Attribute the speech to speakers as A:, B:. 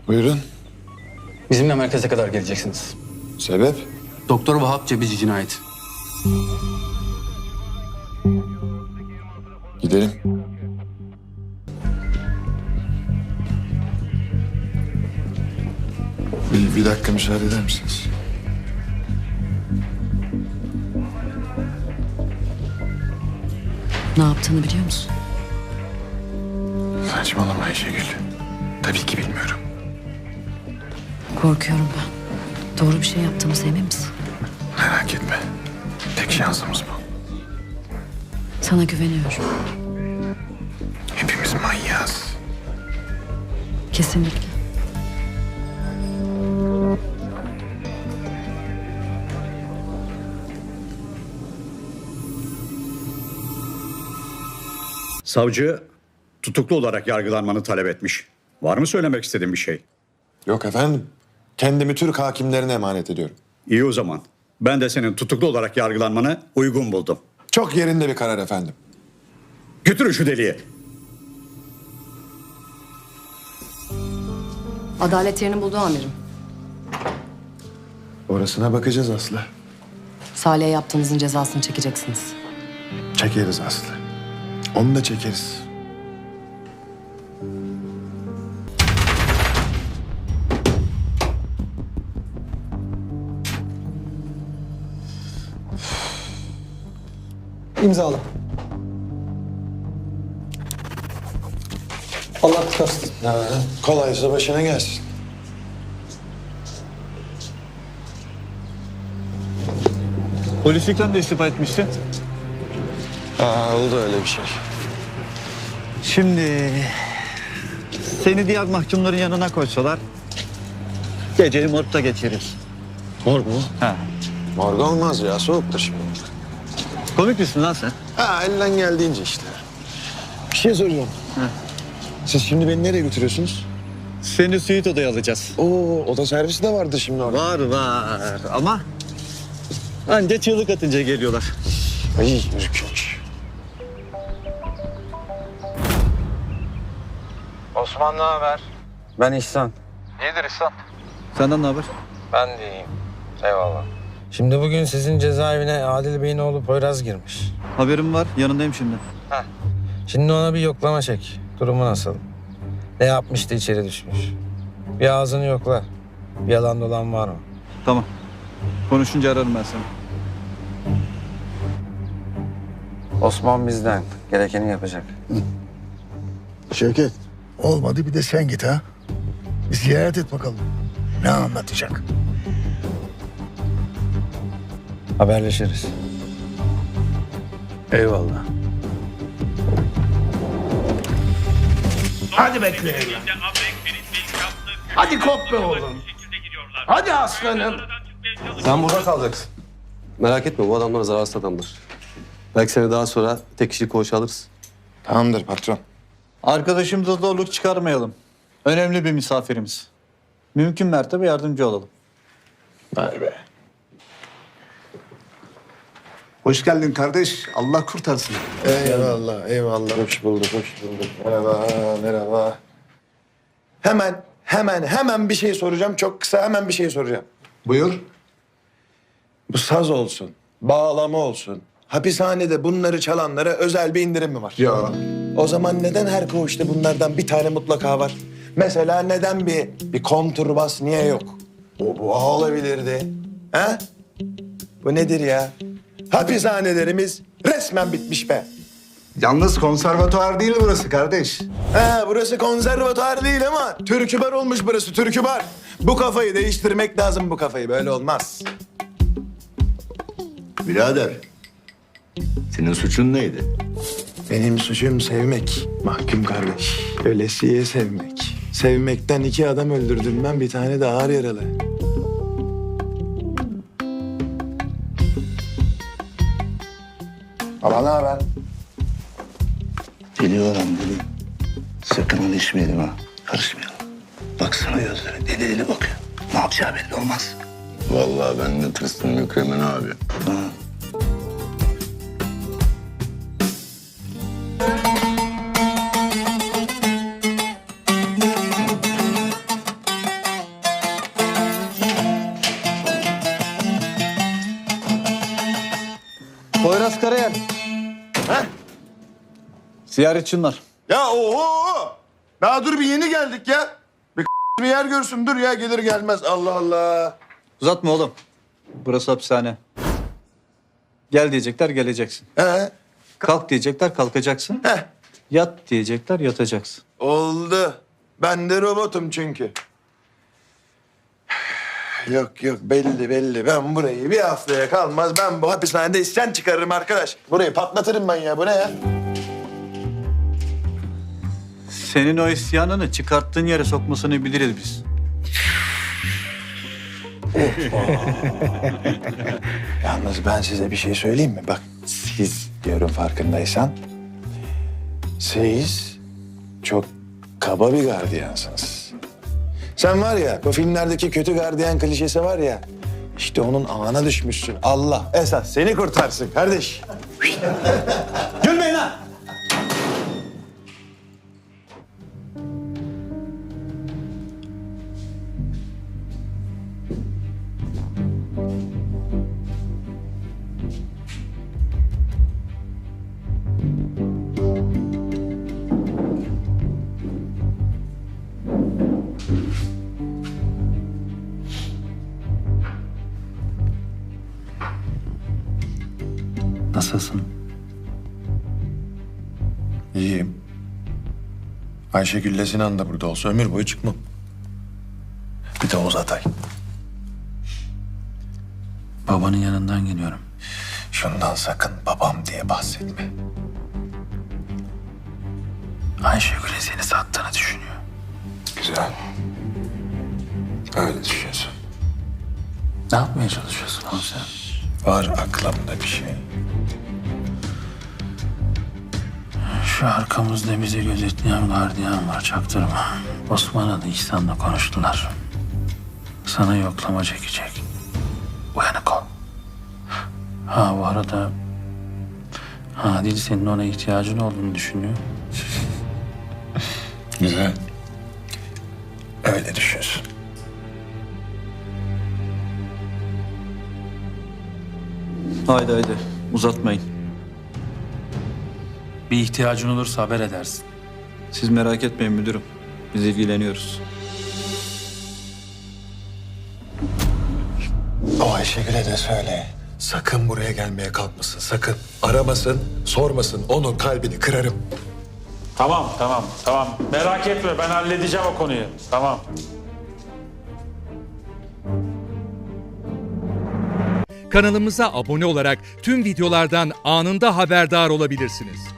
A: Buyurun.
B: Bizimle merkeze kadar geleceksiniz.
A: Sebep?
B: Doktor Vahap Cebici cinayeti.
A: Gidelim. Bir dakika müsaade eder misiniz?
C: Ne yaptığını biliyor musun?
A: Saçmalama Ayşegül. Tabii ki bilmiyorum.
C: Korkuyorum ben. Doğru bir şey yaptığımıza emin misin?
A: Merak etme. Tek şansımız bu.
C: Sana güveniyorum.
A: Hepimiz manyağız.
C: Kesinlikle.
D: Savcı tutuklu olarak yargılanmanı talep etmiş. Var mı söylemek istediğin bir şey?
A: Yok efendim. Kendimi Türk hakimlerine emanet ediyorum.
D: İyi o zaman. Ben de senin tutuklu olarak yargılanmanı uygun buldum.
A: Çok yerinde bir karar efendim.
D: Götürün şu deliği.
C: Adalet yerini buldu amirim.
A: Orasına bakacağız Aslı.
C: Salih'e yaptığınızın cezasını çekeceksiniz.
A: Çekeriz Aslı. Onu da çekeriz.
E: İmzala. Allah tutarsın.
A: Kolaysa başına gelsin.
F: Polislikten de istifa etmişsin.
A: Oldu öyle bir şey.
F: Şimdi seni diğer mahkumların yanına koysalar geceyi morgda geçiririz.
A: Morg mu?
F: Ha.
A: Morg olmaz ya. Soğuktur şimdi.
F: Komik misin lan sen?
A: Elden geldiğince işte. Bir şey soracağım. Siz şimdi beni nereye götürüyorsunuz?
F: Seni suite odaya alacağız.
A: Oda servisi de vardı şimdi orada.
F: Var ama anca çığlık atınca geliyorlar.
A: Ay ürkünç.
G: Osman ne haber? Ben İhsan.
F: Senden ne haber?
G: Ben de iyiyim. Eyvallah. Şimdi bugün sizin cezaevine Adil Bey'in oğlu Poyraz girmiş.
F: Haberim var, yanındayım şimdi.
G: Şimdi ona bir yoklama çek. Durumu nasıl? Ne yapmıştı içeri düşmüş? Bir ağzını yokla. Bir yalan dolan var mı?
F: Tamam. Konuşunca ararım ben seni.
G: Osman bizden. Gerekeni yapacak.
H: Şevket, olmadı bir de sen git ha. Bir ziyaret et bakalım. Ne anlatacak?
G: Haberleşiriz.
H: Eyvallah.
I: Hadi bekleyelim. Hadi kop be oğlum. Hadi aslanım.
J: Sen burada kalacaksın. Merak etme, bu adamlar zararsız adamlar. Belki seni daha sonra tek kişilik koğuşa alırız.
A: Tamamdır patron.
F: Arkadaşımıza zorluk çıkarmayalım. Önemli bir misafirimiz. Mümkün mertebe yardımcı olalım.
H: Vay be. Hoş geldin kardeş. Allah kurtarsın.
A: Eyvallah, eyvallah. Hoş bulduk, hoş bulduk. Merhaba. Hemen bir şey soracağım. Çok kısa hemen bir şey soracağım.
H: Buyur.
A: Bu saz olsun, bağlama olsun. Hapishanede bunları çalanlara özel bir indirim mi var?
H: Ya.
A: O zaman neden her koğuşta bunlardan bir tane mutlaka var? Mesela neden bir konturbas niye yok? Bu olabilirdi. Ha? Bu nedir ya? Hapishanelerimiz resmen bitmiş be.
H: Yalnız konservatuvar değil burası kardeş.
A: Burası konservatuar değil ama türkü bar olmuş burası, türkü bar. Bu kafayı değiştirmek lazım, bu kafayı. Böyle olmaz.
H: Birader, senin suçun neydi?
A: Benim suçum sevmek, mahkum kardeş. Ölesiye sevmek. Sevmekten 2 adam öldürdüm ben, bir tane de ağır yaralı. Baba ne haber?
H: Biliyorum dedim. Sakın ilişmeyelim ha. Karışmayalım. Baksana gözleri deli deli bakıyor. Ne yapacağı belli olmaz.
J: Vallahi ben de tırstım Mükremin abi.
H: Ha.
F: Ziyaretçin var.
A: Ya oho! Daha dur bir yeni geldik ya. Bir yer görsün dur ya gelir gelmez Allah Allah.
F: Uzatma oğlum. Burası hapishane. Gel diyecekler geleceksin.
A: He,
F: Kalk diyecekler kalkacaksın.
A: heh,
F: Yat diyecekler yatacaksın.
A: oldu. Ben de robotum çünkü. Yok yok belli. Ben burayı bir haftaya kalmaz. Ben bu hapishanede isyan çıkarırım arkadaş. Burayı patlatırım ben ya. Bu ne ya?
F: Senin o isyanını çıkarttığın yere sokmasını biliriz biz.
A: Yalnız ben size bir şey söyleyeyim mi? Bak siz diyorum farkındaysan. Siz çok kaba bir gardiyansınız. Sen var ya bu filmlerdeki kötü gardiyan klişesi var ya. İşte onun ağına düşmüşsün. Allah esas seni kurtarsın kardeş. Gülmeyin lan.
F: Nasılsın?
A: İyiyim. Ayşegül'le Sinan da burada olsa ömür boyu çıkmam. Bir de Oğuz Atay.
F: Babanın yanından geliyorum.
A: Şundan sakın babam diye bahsetme.
F: Ayşegül'ün seni sattığını düşünüyor.
A: Güzel. Öyle düşünüyorsun.
F: Ne yapmaya çalışıyorsun oğlum sen?
A: Var aklımda bir şey.
F: Şu arkamızda bizi gözetleyen gardiyan var çaktırma. Osman adı İhsan'la konuştular. Sana yoklama çekecek. Uyanık ol. Ha bu arada Adil senin ona ihtiyacın olduğunu düşünüyor.
A: Güzel. Öyle düşünsün.
F: Haydi uzatmayın.
B: Bir ihtiyacın olursa haber edersin.
F: Siz merak etmeyin müdürüm. Biz ilgileniyoruz.
A: O Ayşegül'e de söyle. Sakın buraya gelmeye kalkmasın. Sakın. Aramasın, sormasın. Onun kalbini kırarım.
I: Tamam. Merak etme ben halledeceğim o konuyu. Tamam.
E: Kanalımıza abone olarak tüm videolardan anında haberdar olabilirsiniz.